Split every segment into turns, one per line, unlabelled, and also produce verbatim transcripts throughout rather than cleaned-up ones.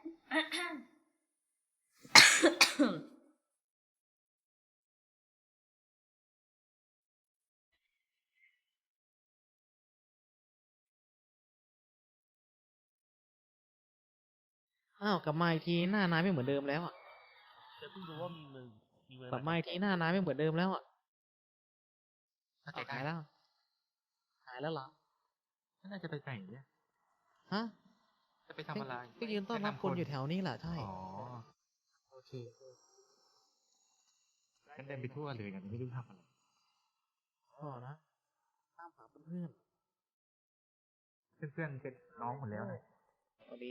อ้าวกลับมาอีกทีหน้านายไม่เหมือนเดิมแล้วอ่ะ
แต่เพิ่งรู้ว่ามีเมืองมีเมือง
กลับมาอีกทีหน้านายไม่เหมือนเดิมแล้วอ่ะ
น่า
เอา
จะ
หาย
ได้
แล้วหายแล้วเหรอ
น่าจะไปไหนเนี่ย
ฮะ
จะไปทำอะไร
ก็ยืนต้อนรับคนอยู่แถวนี้แหละใช่
อ๋อโอเคกันเดินไปทั่วเลยกันไม่รู้ทำอะไร
อ๋อนะตามหาเพื่อน
เพื่อนๆเป็นน้องหมดแล้วนะ
ๆพอดี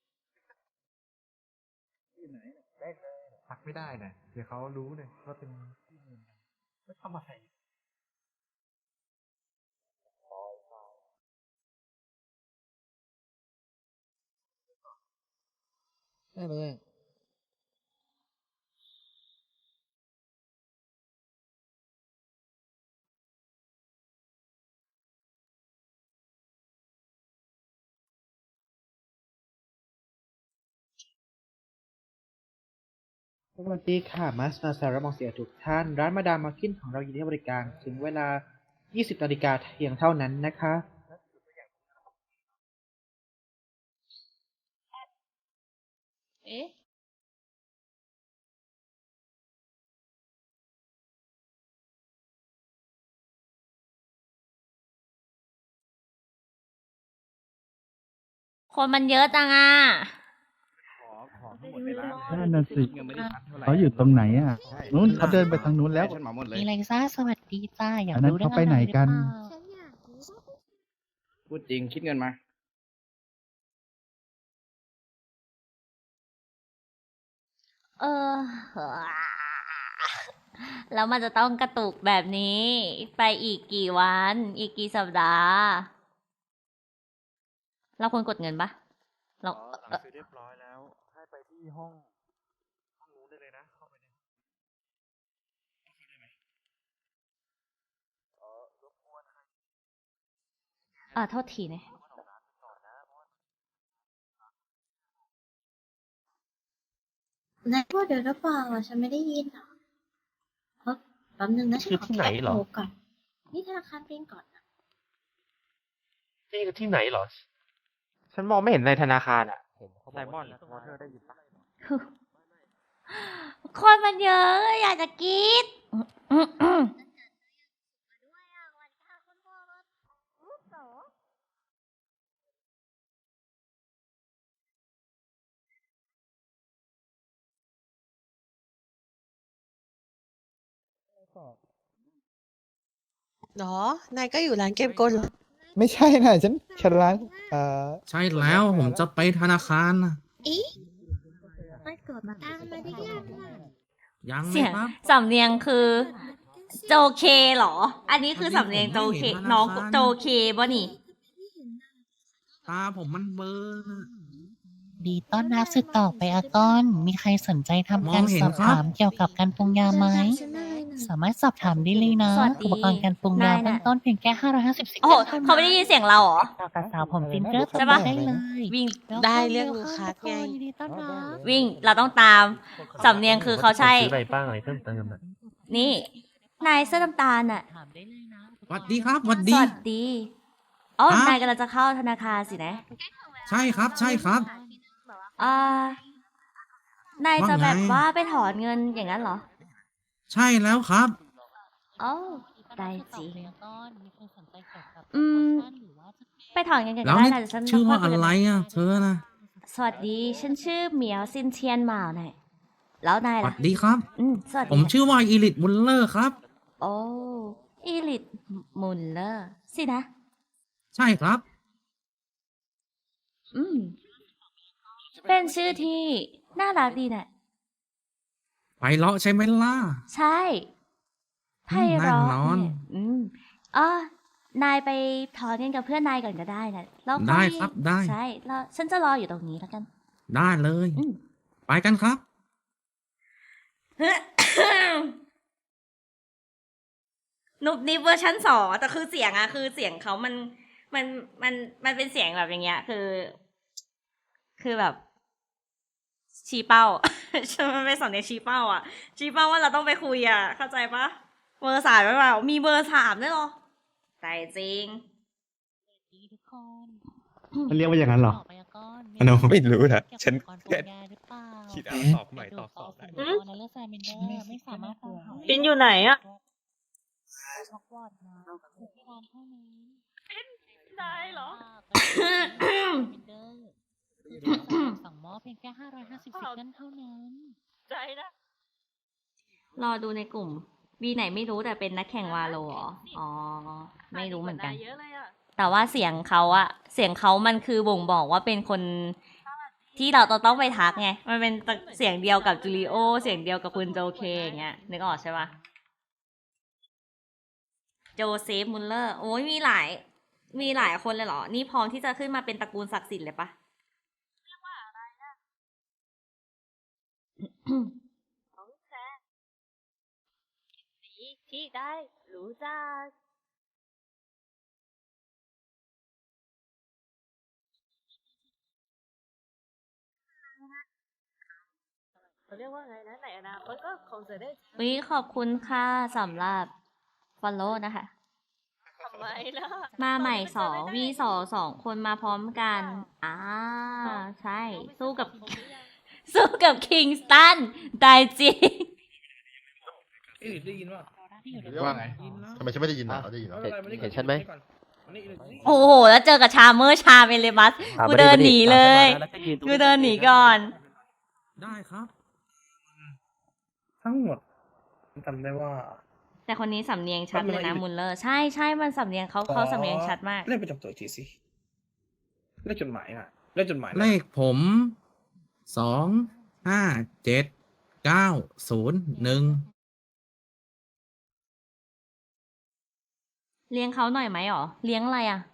พักไม่ได้นะเดี๋ยวเขารู้เลยว่าเป็นที่เมืองกันก็ทำอะไร
ได้เลย
สวัสดีค่ะมาสมาซาระมองเสียทุกท่าน ร้านมาดามมาร์กินของเรายินดีให้บริการถึงเวลา ยี่สิบนาฬิกาเพียงเท่านั้นนะคะ
เอ๊ะ คนมันเยอะจังอ่ะ
ของทั้งหมดในร้าน
นั่นน่ะสิ
ยังไม่ได้ชัดเท่าไหร่
เขาอยู่ตรงไหนอ่ะ
ใช่
นู้นเขาเดินไปทางนู้นแล้ว
ฉันเหมาหมดเลย
มีอะไรซ่าสวัสดีจ้า อยาก
อันนั้น
รู้เรื่อง
เขาไปไหนกัน
อะรหรือเปล่า
พูดจริงคิดเงินมา
เออ แล้วมันจะต้องกระตุกแบบนี้ ไปอีกกี่วัน อีกกี่สัปดาห์ เราควรกดเงินปะเรา
หลังซื้อเรียบร้อยแล้ว ให้ไปที่ห้องห้องนู้นได้เลยนะ เข้าไปใน
เออโทษทีนะ
นายพูดเดี๋ยวหรือเปล่าอะฉันไม่ได้ยินอ่ะเฮ้ยแป๊บนึงนะฉันขอ
คือที่ไหนเหรอ
แคปโทก่อน นี่ธนาคารเป็นก่อนนะ
นี่คือที่ไหนเหรอ
ฉันมองไม่เห็นในธนาคารอ่ะไซมอน
วอเตอร์ได้ยินปะ
คนมันเยอะ อยากจะกรีด
เหรอ นายก็อยู่ร้านเกมกลเหรอ
ไม่ใช่นะฉันฉันร้านเอ่อ
ใช่แล้วผมจะไปธนาคารนะ
อีมันเกิดมาตามมาได้ยังไง
ยังเล
เสี
ย
ยง
ครับ
สำเนียงคือโจเคเหรอ อันนี้คือสำเนียงโจเค น้องโจเคบ่นี่
ตาผมมันเบลอนะ
ดีต้อนรับสืบต่อไปอากอน มีใครสนใจทำ
ม
กา
อง
ร
เห็น
สอบ
ครับ
ถามเกี่ยวกับการปรุงยาไหม
ฉันได้นะ
สามารถสอบถามได้เลยนะ
สวัสดี
อุปกรณ์การปรุงยา
ได้นะ
เบื้องต้นเพียงแค่ห้าร้อยห้าสิบสิบ
โอ้โห
ท่นั้น
เขาไม่ได้ยินเสียงเราเหรอ
ต่อกับสาวผมจินเจอร์
ใช่
ปะ
ปะ
ได้เลย
วิ่ง
ได้เรื่องลูกค้าไง
ยินดีต้อนรับ
วิ่ง เราต้องตาม สำเนียงคือเขาใช่
ซื้ออะไรบ้างอะไรเพิ่มเติมอ่ะ
นี่ นายเสื้อน้ำตาลน่ะ
ถามได้เลยนะ
สวัสดีครับสวัส
ส
ดี
วัสดี อ๋อ
ฮะ
นายกำลังจะเข้าธนาคารสินะ
ใช่ครับ ใช่ครับ
อ่านายจะ
ว่าไง
แบบว่าไปถอนเงินอย่างนั้นเหรอ
ใช่แล้วครับ
โอ้ได้จริง อื
อื
ม
ม
ไปถอนเงินกัน
แล้ว
ได้
นี่
นะเดี๋ยวฉัน
ชื่อว่า
ค่ยคุย
อะ
กัน
ไร
ใหม่
อ่ะ เธอนะ
สวัสดี ฉันชื่อเหมียวซินเทียนหมาวนายแล้วนาย
สวั
ล่ะ
สดีครับ
อืม สวัสดี
ผม
ค่ะ
ชื่อว่าอีลิทบุลเลอร์ครับ
โอ้อีลิทมุลเลอร์สินะ
ใช่ครับ
อืม เป็นชื่อที่น่ารักดีน่ะ
ไปเลาะใช่ไหมล่ะ
ใช่ไพเราะ
แน่นอน
เนี่ยอืมอ๋อนายไปถอนเงินกับเพื่อนนายก่อนก็ได้นะแล้วค่อย
ได้ครับได้
ใช่แล้วฉันจะรออยู่ตรงนี้แล้วกัน
ได้เลย
อืม
ไปกันครับ
นุบนิบเวอร์ชันสองแต่คือเสียงอะคือเสียงเขามันมันมันมันเป็นเสียงแบบอย่างเงี้ย คือ คือแบบ
ชี้เป้า ฉันมันเป็นสำเนียงชี้เป้าอ่ะ ชี้เป้าว่าเราต้องไปคุยอ่ะ เข้าใจปะเบอร์สามไม่เปล่ามีเบอร์สามด้วยเหรอใจจริง
มันเรียกว่าอย่างนั้นเหรอ
อันนั้นไม่รู้นะฉันแค่
คิ
คิ
ด
ด
เอา
เอา
ต
ต
อ
อ
บบ ให
ให
ม่
ม่
ต
ต
อ
อ
บบ ส
ส
อ
อ
บบ ได้
ได้
ปินอยู่ไหนอะ
ได้เหรอ
สั่งหม้อเพียงแค่ห้าร้อยห้าสิบสิบนั่นเท่านั้น
ใจนะ รอดูในกลุ่มวีไหนไม่รู้แต่เป็นนักแข่งวาโลเหรอ อ๋อ ไม่รู้เหมือนกัน แต่ว่าเสียงเขาอะเสียงเขามันคือบ่งบอกว่าเป็นคนที่เราต้องไปทักไง มันเป็นเสียงเดียวกับจูริโอ เสียงเดียวกับคุณโจเคอย่างเงี้ย นึกออกใช่ปะโจเซฟมุลเลอร์ โอ้ยมีหลาย มีหลายคนเลยเหรอ นี่พร้อมที่จะขึ้นมาเป็นตระกูลศักดิ์สิทธิ์เลยปะ
ที่ได้รู้จักเขาเรียกว่าไงนะในอนาคตก็คงจะได้
วิขอบคุณค่ะสำหรับ follow นะคะ
ทำไมล่ะ
มาใหม่สองวีสองสองคนมาพร้อมกัน อ่า ใช่ สู้กับ สู้กับคิงสตันได้จริง
ได้ยินว่า
ว่าไงทำไมฉันไม่ได้ยินอ่ะได้ยินเหรอ
เห็นฉันไหม
โอ้โห แล้วเจอกับชาเมอร์ชาเมเลบัส กูเดินหนีเลย กูเดินหนีก่อน
ได้ครับ ทั้งหมดจำได้ว่า
แต่คนนี้สำเนียงชัดเลยนะมุลเลอร์ ใช่ใช่มันสำเนียงเขาเขาสำเนียงชัดมาก
เลขประจำตัวอีกทีสิเลขจดหมายอ่ะเลขจดหมาย
เลขผมสองห้าเจ็ดเก้าศูนย์หนึ่ง
เลี้ยงเขาหน่อยไหมหรอ เลี้ยงอะไรอ่ะ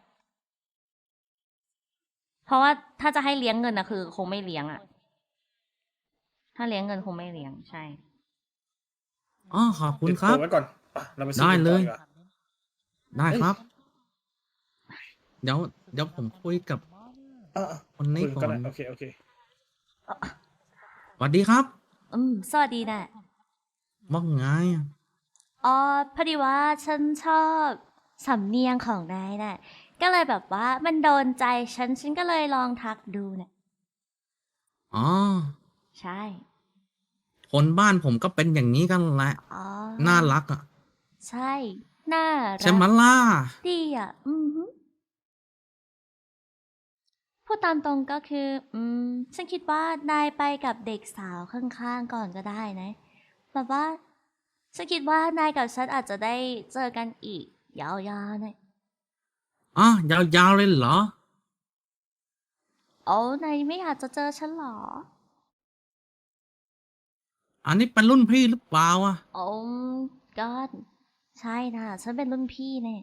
เพราะว่าถ้าจะให้เลี้ยงเงินนะคือคงไม่เลี้ยงอ่ะ ถ้าเลี้ยงเงินคงไม่เลี้ยงใช่
อ๋อขอบคุณครับ
ติดตัวไว้ก่อนอ่ะเราไปซื้อ
ได้เลย
ก่อนดีกว่า
ได้ครับ เดี๋ยวเดี๋ยวผมคุยกับ
อ่ะอ่ะ
คนนี้
คุย
ก่
กั
อน
ได้โอเคโอเค
สวัสดีครับ
อืม สวัสดีนะ
ว่าไง
อ๋อ พอดีว่าฉันชอบสำเนียงของนายน่ะ ก็เลยแบบว่ามันโดนใจฉัน ฉันก็เลยลองทักดูน่ะ
อ๋อ
ใช่
คนบ้านผมก็เป็นอย่างนี้กันแหละ
อ๋อ
น่ารักอ่ะ
ใช่ น่ารัก
ใช่ไหมล่ะ
ดีอ่ะ อือหือพูดตามตรงก็คือ อืม ฉันคิดว่านายไปกับเด็กสาวข้างๆก่อนก็ได้นะ แบบว่า ฉันคิดว่านายกับฉันอาจจะได้เจอกันอีก ยาวๆหน่อย
อ๋อยาวๆเลยเหรอ
โอ้นายไม่อยากจะเจอฉันเหรอ
อันนี้เป็นรุ่นพี่หรือเปล่าอ่ะ
โอ้ก็ใช่นะ ฉันเป็นรุ่นพี่เนี่ย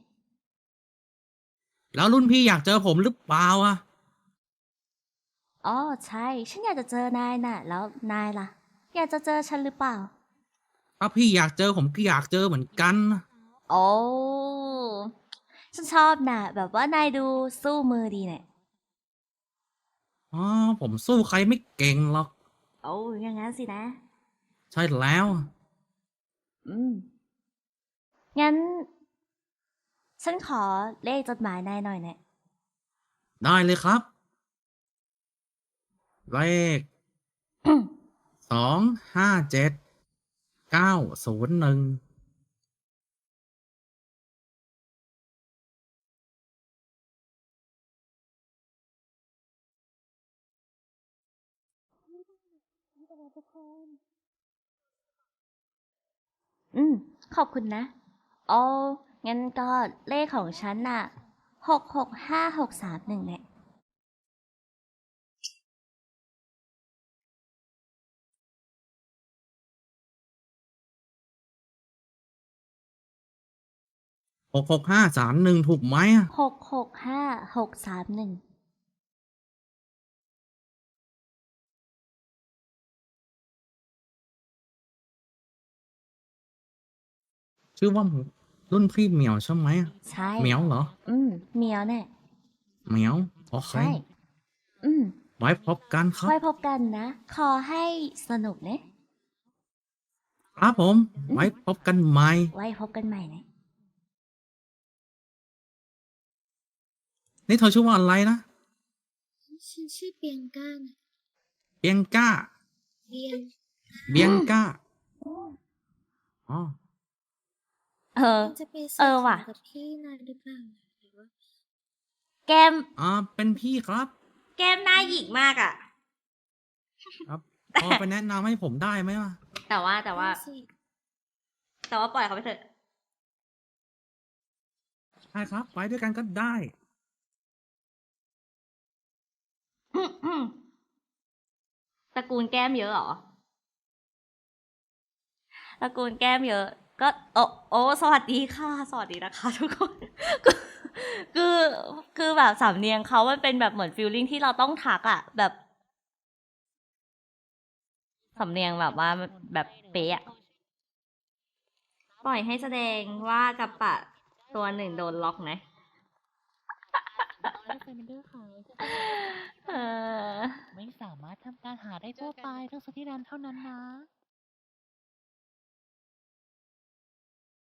แล้วรุ่นพี่อยากเจอผมหรือเปล่าอ่ะ
อ๋อใช่ ฉันอยากจะเจอนายน่ะ แล้วนายล่ะ อยากจะเจอฉันหรือเปล่า
ถ้าพี่อยากเจอผมก็อยากเจอเหมือนกันนะ
โอ้ฉันชอบน่ะ แบบว่านายดูสู้มือดีเนี่ย
อ๋อผมสู้ใครไม่เก่งหรอก
โอ้อยังงั้นสินะ
ใช่แล้ว
อืม งั้น ฉันขอเลขจดหมายนายหน่อยเนี่ย
ได้เลยครับ เลข สองห้าเจ็ดเก้าศูนย์หนึ่ง
อืม ขอบคุณนะโอ้งั้นก็เลขของฉันน่ะหกหกห้าหกสามหนึ่งเนี่ย
หกหกห้าสามหนึ่งถูกไหมอะ
หกหกห้าหกสามหนึ่ง
ชื่อว่ารุ่นพี่เหมียวใช่ไหมอะ
ใช่
เหมียวเหรอ
อืมเหมียวเนี่ย
เหมียวโอเค
ใช่ อืม
ไว้พบกันครับ
ไว้พบกันนะ ขอให้สนุกนะครับ
ผม ไว้พบกันใหม่
ไว้พบกันใหม่นะ
นี่เธอชื่อว่าอะไรนะ
ฉันชื่อเปียงก้านะ
เบียงก้า
เบียง
เบียงก้า อ๋อ
เออ
จะไป
เออว่ะ
กับพี่นายหรือเปล่าหรือว่า
แก้ม
อ่า เป็นพี่ครับ
แก้มหน้าหยิกมากอะ
ครับ พอไปแนะนำให้ผมได้ไหมวะ
แต่ว่าแต่ว่า
สิ
แต่ว่าปล่อยเขาไปเถอะ
ใช่ครับ ไปด้วยกันก็ได้
ตระกูลแก้มเยอะเหรอ ตระกูลแก้มเยอะ ก็โอ้โอ้สวัสดีค่ะ สวัสดีนะคะทุกคน คือ คือแบบสำเนียงเขามันเป็นแบบเหมือนฟีลลิ่งที่เราต้องทักอะแบบสำเนียงแบบว่าแบบเป๊ะอะปล่อยให้แสดงว่ากับปะตัวหนึ่งโดนล็อกนะ เออ
ไม่สามารถทำการหาได้ทั่วไปทั้งสถานเท่านั้นนะ